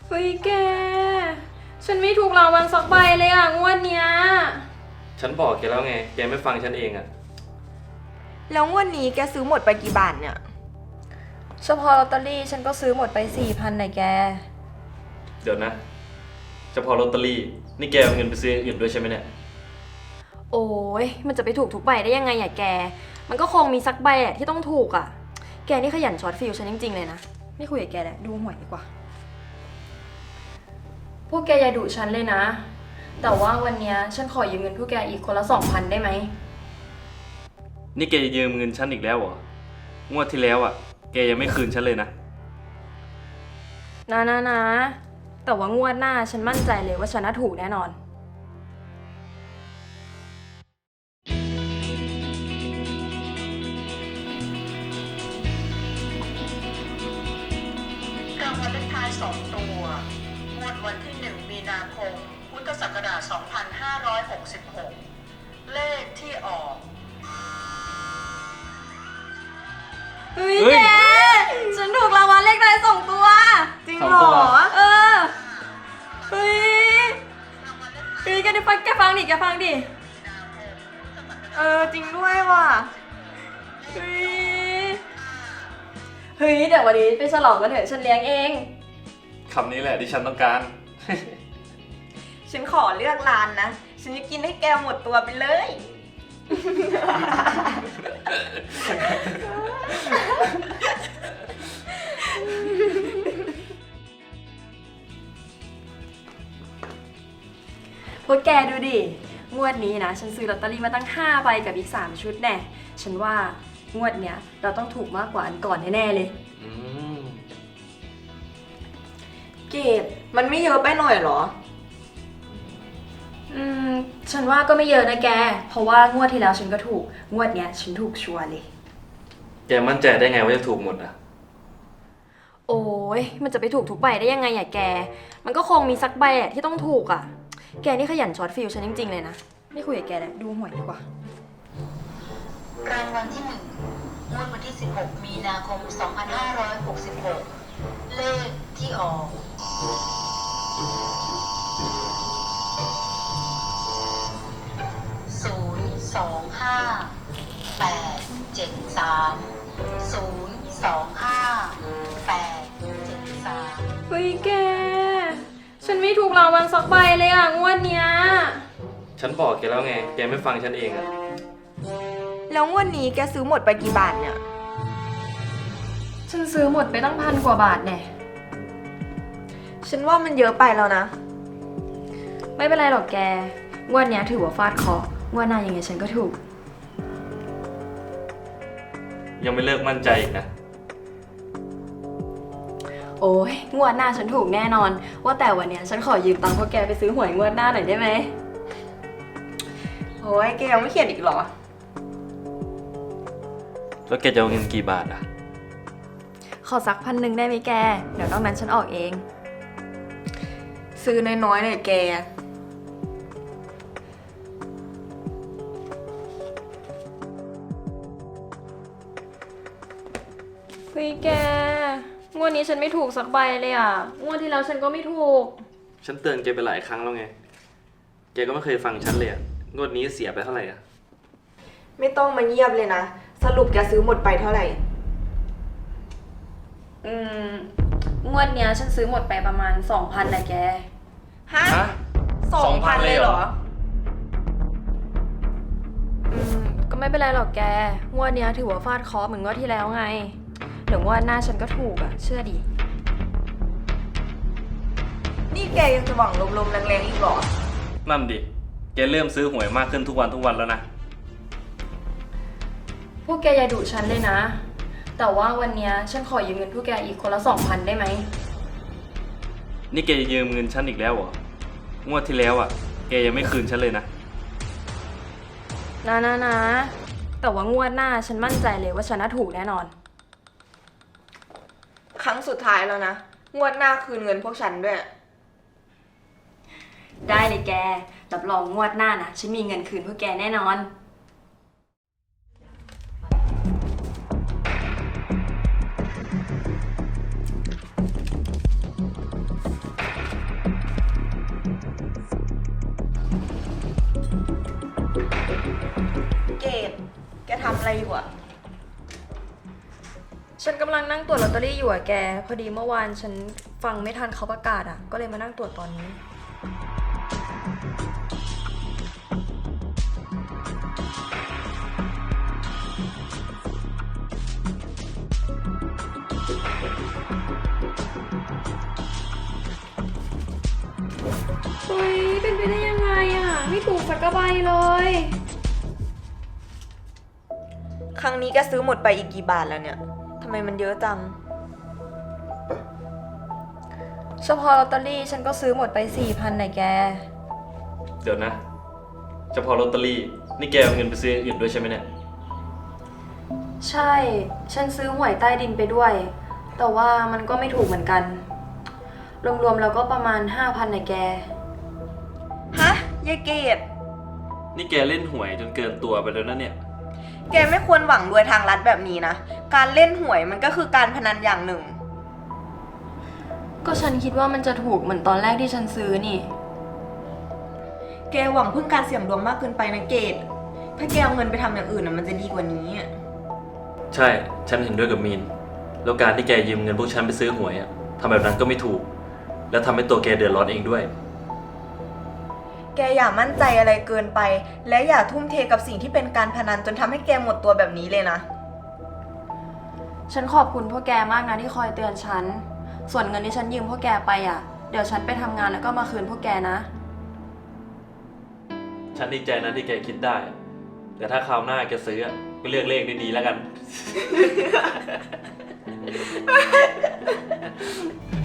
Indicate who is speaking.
Speaker 1: เฮ้ยแก ฉันไม่ถูกรางวัลสักใบเลยอ่ะงวดเนี้ย
Speaker 2: ฉันบอกแกแล้วไง แกไม่ฟังฉันเองอะ
Speaker 3: แล้วงวดนี้แกซื้อหมดไปกี่บาทเนี่ย
Speaker 1: เฉพาะลอตเตอรี่ฉันก็ซื้อหมดไป4,000เลยแก
Speaker 2: เดี๋ยวนะเฉพาะลอตเตอรี่นี่แกเอาเงินไปซื้ออย่างอื่นด้วยใช่ไหมเนี่ย
Speaker 1: โอ้ยมันจะไปถูกทุกใบได้ยังไงอ่ะแกมันก็คงมีสักใบแหละที่ต้องถูกอ่ะแกนี่ขยันช็อตฟิลฉันจริงๆเลยนะไม่คุยกับแกแหละดูหวยดีกว่าพวกแกอย่าดุฉันเลยนะแต่ว่าวันนี้ฉันขอยืมเงินพวกแกอีกคนละ2,000ได้ไหม
Speaker 2: นี่แกจะยืมเงินฉันอีกแล้วเหรอ งวดที่แล้วอ่ะ แกยังไม่คืนฉันเลยนะ
Speaker 1: นะแต่ว่างวดหน้าฉันมั่นใจเลยว่าฉันน่าถูกแน่นอน
Speaker 4: รางวัลเลขท้าย2 ตัว งวดวันที่ 1 มีนาคม พุทธศักราช 2566 เลขที่ออก
Speaker 1: เฮ้ยแกฉันถูกรางวัลเลขท้าย2 ตัว
Speaker 3: จริงเหรอ
Speaker 1: เออเฮ้ยแกฟังดิ
Speaker 3: จริงด้วยว่ะ
Speaker 1: เฮ้ยเดี๋ยววันนี้ไปฉลองกันเถอะฉันเลี้ยงเอง
Speaker 2: คำนี้แหละที่ฉันต้องการ
Speaker 3: ฉันขอเลือกร้านนะฉันจะกินให้แกหมดตัวไปเลย
Speaker 1: พวกแกดูดิงวดนี้นะฉันซื้อลอตเตอรี่มาตั้ง5 ใบกับอีก3 ชุดแน่ฉันว่างวดเนี้ยเราต้องถูกมากกว่าอันก่อนแน่ๆเลย
Speaker 3: เกดมันไม่เยอะไปหน่อยเหรอ
Speaker 1: ฉันว่าก็ไม่เยอะนะแกเพราะว่างวดที่แล้วฉันก็ถูกงวดเนี้ยฉันถูกชัวร์เลย
Speaker 2: แกมั่นใจได้ไงว่าจะถูกหมดอ่ะ
Speaker 1: โอ้ยมันจะไปถูกทุกใบได้ยังไงอะแกมันก็คงมีสักใบแหละที่ต้องถูกอะแกนี่ขยันช็อตฟิลฉันจริงๆเลยนะไม่คุยกับแกแล้วดูหวยดีกว่าร
Speaker 4: างวัลที่ 1 งวดวันที่ 16 มีนาคม 2566 เลขที่ออก
Speaker 1: เฮ้ยแกฉันไม่ถูกรางวัลสักใบเลยอ่ะงวดเนี้ย
Speaker 2: ฉันบอกแกแล้วไง แกไม่ฟังฉันเองอะ
Speaker 3: แล้วงวดนี้แกซื้อหมดไปกี่บาทเนี่ย
Speaker 1: ฉันซื้อหมดไปตั้ง1,000 กว่าบาทแน่
Speaker 3: ฉันว่ามันเยอะไปแล้วนะ
Speaker 1: ไม่เป็นไรหรอกแกงวดเนี้ยถือว่าฟาดเคราะห์งวดหน้ายังไงฉันก็ถูก
Speaker 2: ยังไม่เลิกมั่นใจอีกนะ
Speaker 1: โอ้ยงวดหน้าฉันถูกแน่นอนว่าแต่วันเนี้ยฉันขอยืมตังค์พวกแกไปซื้อหวยงวดหน้าหน่อยได้ไหม
Speaker 3: โอ้ยแกยังไม่เขียนอีกเหรอ
Speaker 2: แล้วแกจะเอาเงินกี่บาทอ่ะ
Speaker 1: ขอสัก1,000ได้ไหมแกเดี๋ยวนอกนั้นฉันออกเอง
Speaker 3: ซื้อน้อยๆเลยแก
Speaker 1: เฮ้ยแกงวดนี้ฉันไม่ถูกสักใบเลยอ่ะงวดที่แล้วฉันก็ไม่ถูก
Speaker 2: ฉันเตือนแกไปหลายครั้งแล้วไงแกก็ไม่เคยฟังฉันเลยอะงวดนี้เสียไปเท่าไหร่อ่ะ
Speaker 3: ไม่ต้องมาเงียบเลยนะสรุปแกซื้อหมดไปเท่าไหร่
Speaker 1: งวดเนี้ยฉันซื้อหมดไปประมาณ2,000นะแก
Speaker 3: ฮะ2,000เลยเหรอ
Speaker 1: ก็ไม่เป็นไรหรอกแกงวดเนี้ยถือว่าฟาดเคราะห์เหมือนงวดที่แล้วไงเดี๋ยวงวดหน้าฉันก็ถูกอ่ะเชื่อดิ
Speaker 3: นี่แกยังจะหวังลมๆแรงๆอีกเหรอ
Speaker 2: นั่นดิแกเริ่มซื้อหวยมากขึ้นทุกวันแล้วนะ
Speaker 1: พวกแกอย่าดุฉันเลยนะแต่ว่าวันเนี้ยฉันขอยืมเงินพวกแกอีกคนละ2,000ได้ไหม
Speaker 2: นี่แกจะยืมเงินฉันอีกแล้วเหรอ งวดที่แล้วอ่ะ แกยังไม่คืนฉันเลยนะ
Speaker 1: แต่ว่างวดหน้าฉันมั่นใจเลยว่าฉันน่าถูกแน่นอน
Speaker 3: ครั้งสุดท้ายแล้วนะงวดหน้าคืนเงินพวกฉันด้วย
Speaker 1: ได้เลยแกรับรองงวดหน้านะฉันมีเงินคืนพวกแกแน่นอน
Speaker 3: ทำอะไรอยู่อะ
Speaker 1: ฉันกำลังนั่งตรวจลอตเตอรี่อยู่อะแก พอดีเมื่อวานฉันฟังไม่ทันเขาประกาศอะก็เลยมานั่งตรวจตอนนี้ เฮ้ย เป็นไปได้ยังไงอะไม่ถูกสักกระใบเลย
Speaker 3: ครั้งนี้แกซื้อหมดไปอีกกี่บาทแล้วเนี่ยทำไมมันเยอะจัง
Speaker 1: เฉพาะลอตเตอรี่ฉันก็ซื้อหมดไป 4,000น่ะแก
Speaker 2: เดี๋ยวนะเฉพาะลอตเตอรี่นี่แกเอาเงินไปซื้ออย่างอื่นด้วยใช่ไหมเนี่ย
Speaker 1: ใช่ ฉันซื้อหวยใต้ดินไปด้วย แต่ว่ามันก็ไม่ถูกเหมือนกัน รวมๆแล้วก็ประมาณ 5,000น่ะแก
Speaker 3: ฮะยายเกด
Speaker 2: นี่แกเล่นหวยจนเกินตัวไปแล้วนะเนี่ย
Speaker 3: แกไม่ควรหวังรวยทางลัดแบบนี้นะ การเล่นหวยมันก็คือการพนันอย่างหนึ่ง
Speaker 1: ก็ฉันคิดว่ามันจะถูกเหมือนตอนแรกที่ฉันซื้อนี่
Speaker 3: แกหวังพึ่งการเสี่ยงดวงมากเกินไปนะเกด ถ้าแกเอาเงินไปทำอย่างอื่นน่ะมันจะดีกว่านี้อะ
Speaker 2: ใช่ ฉันเห็นด้วยกับมีน แล้วการที่แกยืมเงินพวกฉันไปซื้อหวยอะทำแบบนั้นก็ไม่ถูก และทำให้ตัวแกเดือดร้อนเองด้วย
Speaker 3: แกอย่ามั่นใจอะไรเกินไป และอย่าทุ่มเทกับสิ่งที่เป็นการพนันจนทำให้แกหมดตัวแบบนี้เลยนะ
Speaker 1: ฉันขอบคุณพวกแกมากนะที่คอยเตือนฉัน ส่วนเงินที่ฉันยืมพวกแกไปอ่ะ เดี๋ยวฉันไปทำงานแล้วก็มาคืนพวกแกนะ
Speaker 2: ฉันดีใจนะที่แกคิดได้ แต่ถ้าคราวหน้าแกซื้ออะก็เลือกเลขดีๆแล้วกัน